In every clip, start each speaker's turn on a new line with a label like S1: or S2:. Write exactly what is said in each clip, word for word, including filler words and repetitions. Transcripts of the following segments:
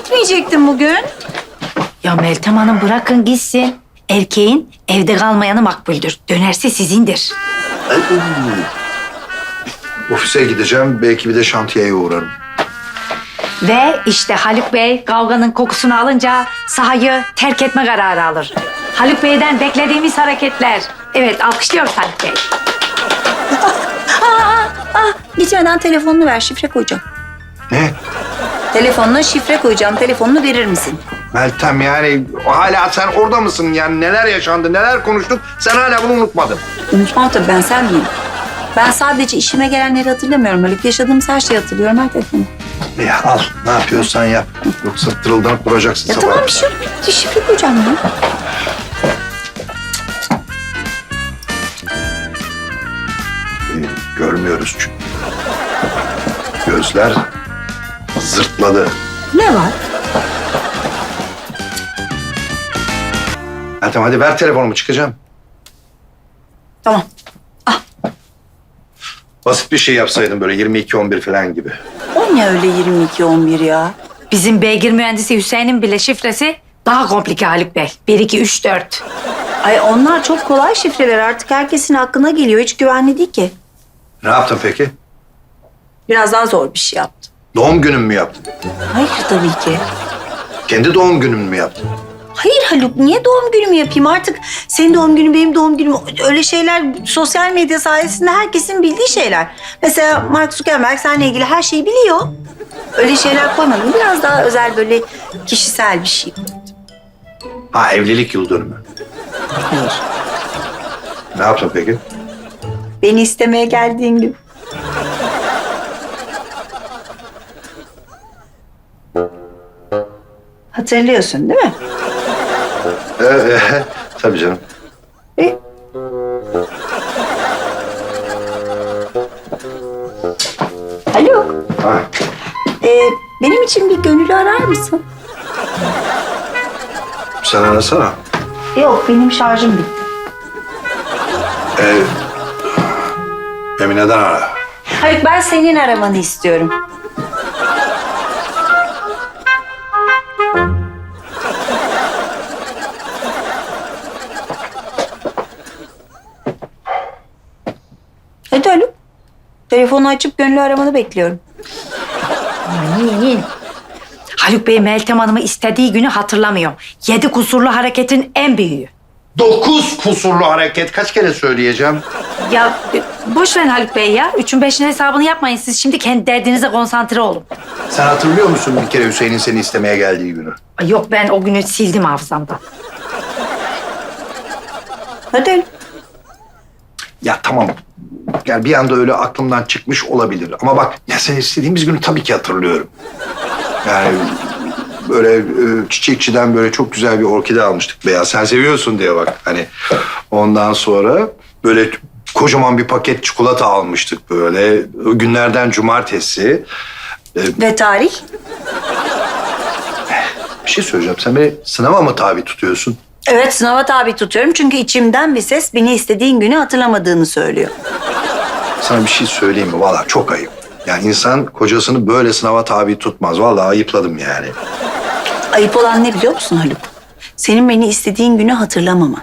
S1: gitmeyecektin bugün.
S2: Ya Meltem Hanım bırakın gitsin. Erkeğin evde kalmayanı makbuldür. Dönerse sizindir.
S3: Ay, ofise gideceğim. Belki bir de şantiyeye uğrarım.
S2: Ve işte Haluk Bey kavganın kokusunu alınca sahayı terk etme kararı alır. Haluk Bey'den beklediğimiz hareketler. Evet, alkışlıyoruz Haluk Bey.
S1: Gitmeden telefonunu ver, şifre koyacağım.
S3: Ne?
S1: Telefonuna şifre koyacağım, telefonunu verir misin?
S3: Meltem yani hala sen orada mısın? Yani neler yaşandı, neler konuştuk? Sen hala bunu unutmadın.
S1: Unutmam tabii, ben sen miyim? Ben sadece işime gelenleri hatırlamıyorum. Haluk, yaşadığımız her şeyi hatırlıyorum, her telefonu.
S3: Ya al, ne yapıyorsan yap. Yoksa tırıldanıp duracaksın
S1: Ya
S3: sabah.
S1: tamam, bir şey yok. Bir şifre koyacağım ya.
S3: Ee, görmüyoruz çünkü. Gözler zırtladı.
S1: Ne var?
S3: Meltem hadi ver telefonumu, çıkacağım.
S1: Tamam.
S3: Basit bir şey yapsaydın böyle yirmi iki on bir falan gibi.
S1: O ne öyle yirmi iki on bir ya?
S2: Bizim beygir mühendisi Hüseyin'in bile şifresi daha komplike Haluk Bey. Bir, iki, üç, dört.
S1: Ay onlar çok kolay şifreler. Artık herkesin aklına geliyor. Hiç güvenli değil ki.
S3: Ne yaptın peki?
S1: Biraz daha zor bir şey yaptım.
S3: Doğum günün mü yaptın?
S1: Hayır tabii ki.
S3: Kendi doğum günün mü yaptın?
S1: Hayır Haluk, niye doğum günümü yapayım? Artık senin doğum günün, benim doğum günüm, öyle şeyler sosyal medya sayesinde herkesin bildiği şeyler. Mesela Mark Zuckerberg seninle ilgili her şeyi biliyor. Öyle şeyler koymadım. Biraz daha özel, böyle kişisel bir şey.
S3: Ha, evlilik yıl dönümü.
S1: Hayır.
S3: Ne yaptın peki?
S1: Beni istemeye geldiğin gün. Hatırlıyorsun değil mi?
S3: Ee, e, tabii canım.
S1: E? Haluk,
S3: Ha,
S1: e, benim için bir gönüllü arar mısın?
S3: sen arasana.
S1: Yok, benim şarjım bitti.
S3: Ee, Emine'den ara.
S1: Haluk, ben senin aramanı istiyorum. Hadi Haluk. Telefonu açıp gönüllü aramanı bekliyorum.
S2: Amin. Haluk Bey Meltem Hanım'ı istediği günü hatırlamıyor. Yedi kusurlu hareketin en büyüğü.
S3: Dokuz kusurlu hareket. Kaç kere söyleyeceğim?
S2: Ya e, boş verin Haluk Bey ya. Üçün beşin hesabını yapmayın. Siz şimdi kendi derdinize konsantre olun.
S3: Sen hatırlıyor musun bir kere Hüseyin'in seni istemeye geldiği günü?
S2: Ay yok, ben o günü sildim hafızamdan.
S1: Hadi Haluk.
S3: Ya tamam. Yani bir anda öyle aklımdan çıkmış olabilir. Ama bak ya sen istediğimiz günü tabii ki hatırlıyorum. Yani böyle e, çiçekçiden böyle çok güzel bir orkide almıştık beyaz. Sen seviyorsun diye bak. Hani ondan sonra böyle kocaman bir paket çikolata almıştık böyle. O günlerden cumartesi. E,
S1: Ve tarih?
S3: bir şey söyleyeceğim. Sen beni sınava mı tabi tutuyorsun?
S1: Evet, sınava tabi tutuyorum çünkü içimden bir ses beni istediğin günü hatırlamadığını söylüyor.
S3: Sana bir şey söyleyeyim mi? Vallahi çok ayıp. Yani insan kocasını böyle sınava tabi tutmaz. Vallahi ayıpladım yani.
S1: Ayıp olan ne biliyor musun Haluk? Senin beni istediğin günü hatırlamaman.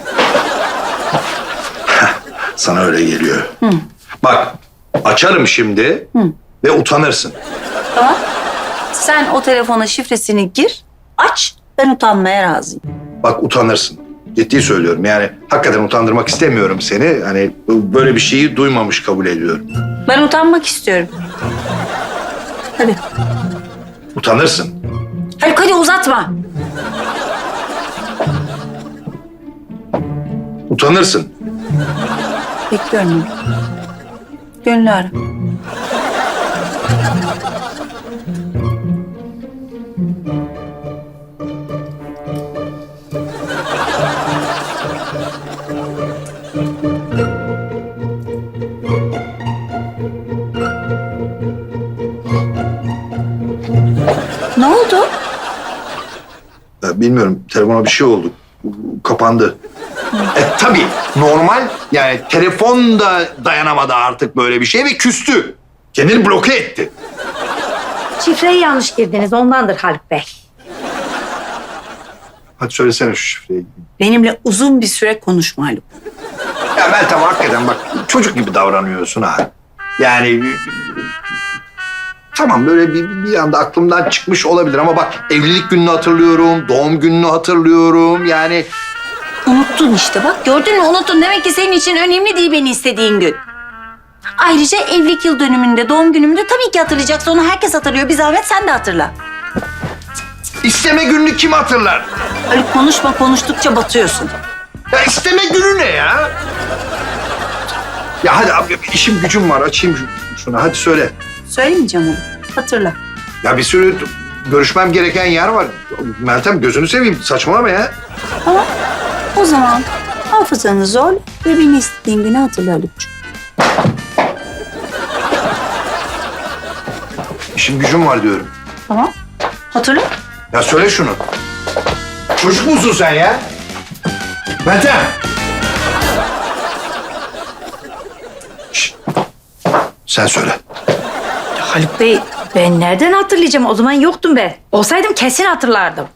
S3: Sana öyle geliyor. Hı. Bak açarım şimdi Hı. ve utanırsın.
S1: Tamam. Sen o telefona şifresini gir, aç. Ben utanmaya razıyım.
S3: Bak utanırsın. Ciddi söylüyorum. Yani hakikaten utandırmak istemiyorum seni. Hani böyle bir şeyi duymamış kabul ediyorum.
S1: Ben utanmak istiyorum. Hadi.
S3: Utanırsın.
S1: Haluk hadi uzatma.
S3: Utanırsın.
S1: Bekliyorum. Gönlü ara. Ne oldu?
S3: Ya bilmiyorum. Telefona bir şey oldu. Kapandı. E tabii normal. Yani telefon da dayanamadı artık böyle bir şey ve küstü. Kendini bloke etti.
S2: Şifreyi yanlış girdiniz ondandır Haluk Bey.
S3: Hadi söylesene şu şifreyi.
S1: Benimle uzun bir süre konuşma Haluk.
S3: Ya Meltem hakikaten bak çocuk gibi davranıyorsun ha. Yani tamam böyle bir, bir anda aklımdan çıkmış olabilir ama bak evlilik gününü hatırlıyorum, doğum gününü hatırlıyorum yani.
S1: Unuttun işte bak gördün mü unuttun. Demek ki senin için önemli değil beni istediğin gün. Ayrıca evlilik yıl dönümünde, doğum günümünde tabii ki hatırlayacaksın. Onu herkes hatırlıyor. Bir zahmet sen de hatırla.
S3: İsteme gününü kim hatırlar?
S1: Haluk konuşma, konuştukça batıyorsun.
S3: Ya isteme günü ne ya? Ya hadi abi işim gücüm var açayım şu- şunu hadi söyle.
S1: Söylemeyeceğim onu. Hatırla.
S3: Ya bir sürü görüşmem gereken yer var. Meltem gözünü seveyim saçmalama ya.
S1: Tamam. O zaman hafızanı zorla ve beni istediğin günü hatırla Haluk'cuğum.
S3: İşim gücüm var diyorum.
S1: Tamam. Hatırla.
S3: Ya söyle şunu. Çocuk musun sen ya? Meltem. Şişt. Sen söyle.
S2: Haluk Bey ben nereden hatırlayacağım? O zaman yoktum ben. Olsaydım kesin hatırlardım.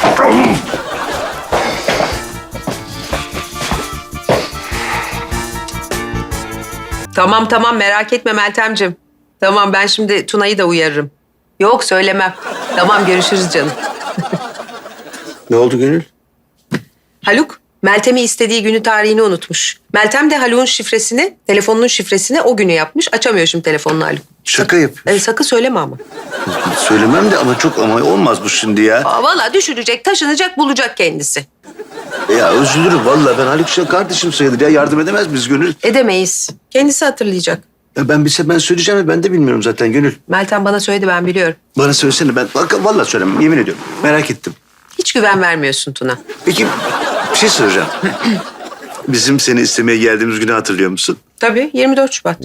S4: Tamam tamam merak etme Meltemciğim. Tamam ben şimdi Tuna'yı da uyarırım. Yok söylemem. Tamam görüşürüz canım.
S5: Ne oldu Gönül?
S4: Haluk, Meltem'i istediği günü tarihini unutmuş. Meltem de Haluk'un şifresini, telefonunun şifresini o günü yapmış. Açamıyor şimdi telefonunu Haluk.
S5: Şaka yapıyor.
S4: E, sakın söyleme ama.
S5: Söylemem de ama çok ama olmaz bu şimdi ya.
S4: Aa, vallahi düşürecek, taşınacak, bulacak kendisi.
S5: Ya üzülürüm vallahi ben Haluk Şah kardeşim sayılır ya yardım edemez miyiz Gönül?
S4: Edemeyiz. Kendisi hatırlayacak.
S5: Ya ben bilse ben söyleyeceğim ve ben de bilmiyorum zaten Gönül.
S4: Meltem bana söyledi ben biliyorum.
S5: Bana söylesene ben bak, vallahi söylemem yemin ediyorum. Merak ettim.
S4: Hiç güven vermiyorsun Tuna.
S5: Peki bir şey soracağım. Bizim seni istemeye geldiğimiz günü hatırlıyor musun?
S4: Tabii yirmi dört Şubat.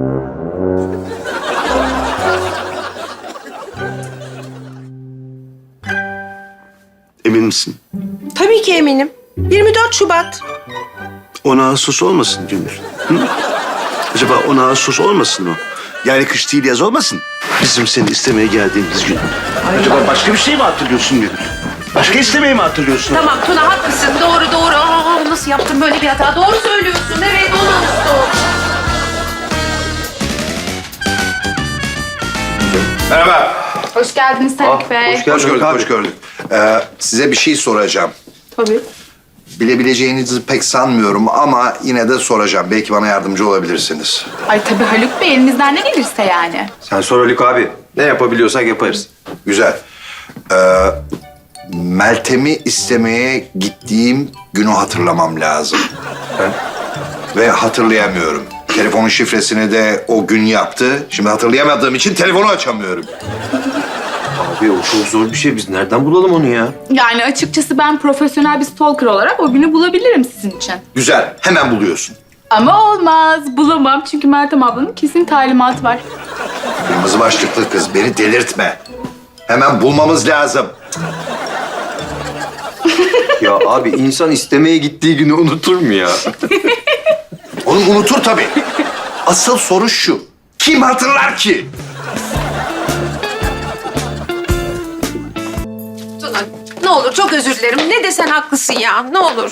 S5: Emin misin?
S4: Tabii ki eminim. yirmi dört Şubat.
S5: on Ağustos olmasın Gönül. Hı? Acaba on Ağustos olmasın o? Yani kış değil yaz olmasın. Bizim seni istemeye geldiğimiz gün. Acaba başka bir şey mi hatırlıyorsun Gönül? Başka istemeyi mi hatırlıyorsun?
S4: Tamam Tuna haklısın. Doğru doğru. Aa, nasıl yaptım böyle bir hata? Doğru söylüyorsun. Evet on Ağustos.
S3: Merhaba.
S6: Hoş geldiniz Haluk Bey.
S3: Hoş gördük, hoş gördük. Ee, size bir şey soracağım.
S6: Tabii.
S3: Bilebileceğinizi pek sanmıyorum ama yine de soracağım. Belki bana yardımcı olabilirsiniz.
S6: Ay tabii Haluk Bey elimizden ne gelirse yani.
S7: Sen sor Haluk abi. Ne yapabiliyorsak yaparız.
S3: Güzel. Ee, Meltem'i istemeye gittiğim günü hatırlamam lazım. Ve hatırlayamıyorum. Telefonun şifresini de o gün yaptı. Şimdi hatırlayamadığım için telefonu açamıyorum.
S7: Abi o çok zor bir şey. Biz nereden bulalım onu ya?
S6: Yani açıkçası ben profesyonel bir stalker olarak o günü bulabilirim sizin için.
S3: Güzel, hemen buluyorsun.
S6: Ama olmaz. Bulamam çünkü Meltem ablanın kesin talimatı var.
S3: Kırmızı başlıklı kız, beni delirtme. Hemen bulmamız lazım.
S7: Ya abi insan istemeye gittiği günü unutur mu ya?
S3: Onu unutur tabii. Asıl soru şu. Kim hatırlar ki?
S4: Tuna ne olur çok özür dilerim. Ne desen haklısın ya. Ne olur.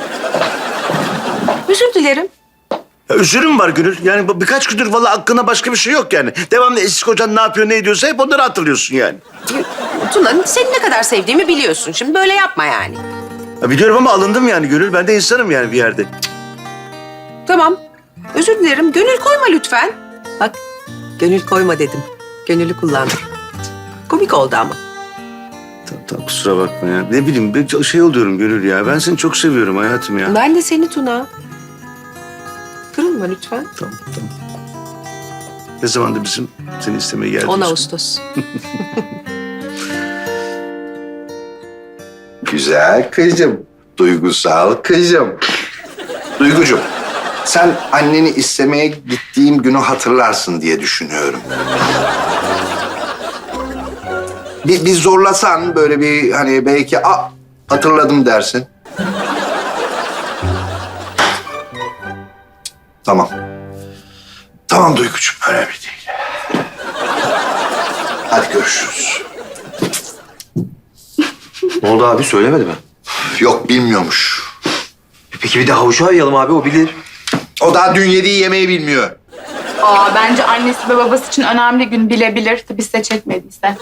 S4: Özür dilerim.
S5: Ya üzülüm var Gönül. Yani bu birkaç gündür vallahi aklına başka bir şey yok yani. Devamlı eski kocan ne yapıyor ne ediyorsa hep onları hatırlıyorsun yani.
S4: Tuna seni ne kadar sevdiğimi biliyorsun. Şimdi böyle yapma yani.
S5: Ya biliyorum ama alındım yani Gönül. Ben de insanım yani bir yerde.
S4: Tamam. Özür dilerim. Gönül koyma lütfen. Bak gönül koyma dedim. Gönülü kullandım. Komik oldu ama.
S5: Tamam, tamam kusura bakma ya. Ne bileyim ben şey oluyorum Gönül ya. Ben seni çok seviyorum hayatım ya.
S4: Ben de seni Tuna. Kırılma lütfen.
S5: Tamam tamam. Ne zamandı bizim seni istemeye geldiğimiz?
S4: on Ağustos.
S3: Güzel kızım. Duygusal kızım. Duygucuğum, sen anneni istemeye gittiğim günü hatırlarsın diye düşünüyorum. Bir, bir zorlasan böyle bir hani belki a hatırladım dersin. Tamam. Tamam Duygucuğum, önemli değil. Hadi görüşürüz.
S7: Ne oldu abi söylemedi mi?
S3: Yok bilmiyormuş.
S7: Peki bir de havucu arayalım abi o bilir.
S3: O daha dün yediği yemeği bilmiyor.
S6: Aa, bence annesi ve babası için önemli gün bilebilir. Tabii size çekmediyse.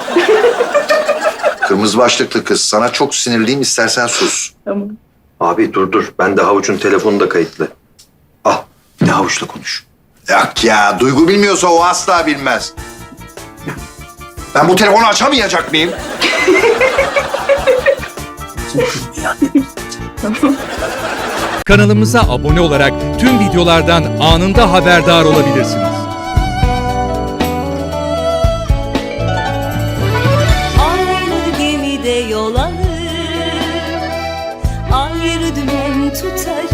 S3: Kırmızı başlıklı kız. Sana çok sinirliyim, istersen sus.
S6: Tamam.
S7: Abi dur dur. Ben de havucun telefonu da kayıtlı. Al bir de havuçla konuş.
S3: Yok ya, Duygu bilmiyorsa o asla bilmez. Ben bu telefonu açamayacak mıyım?
S8: Kanalımıza abone olarak tüm videolardan anında haberdar olabilirsiniz.
S9: Aynı gemide yol alır, ayrı dümen tutarız.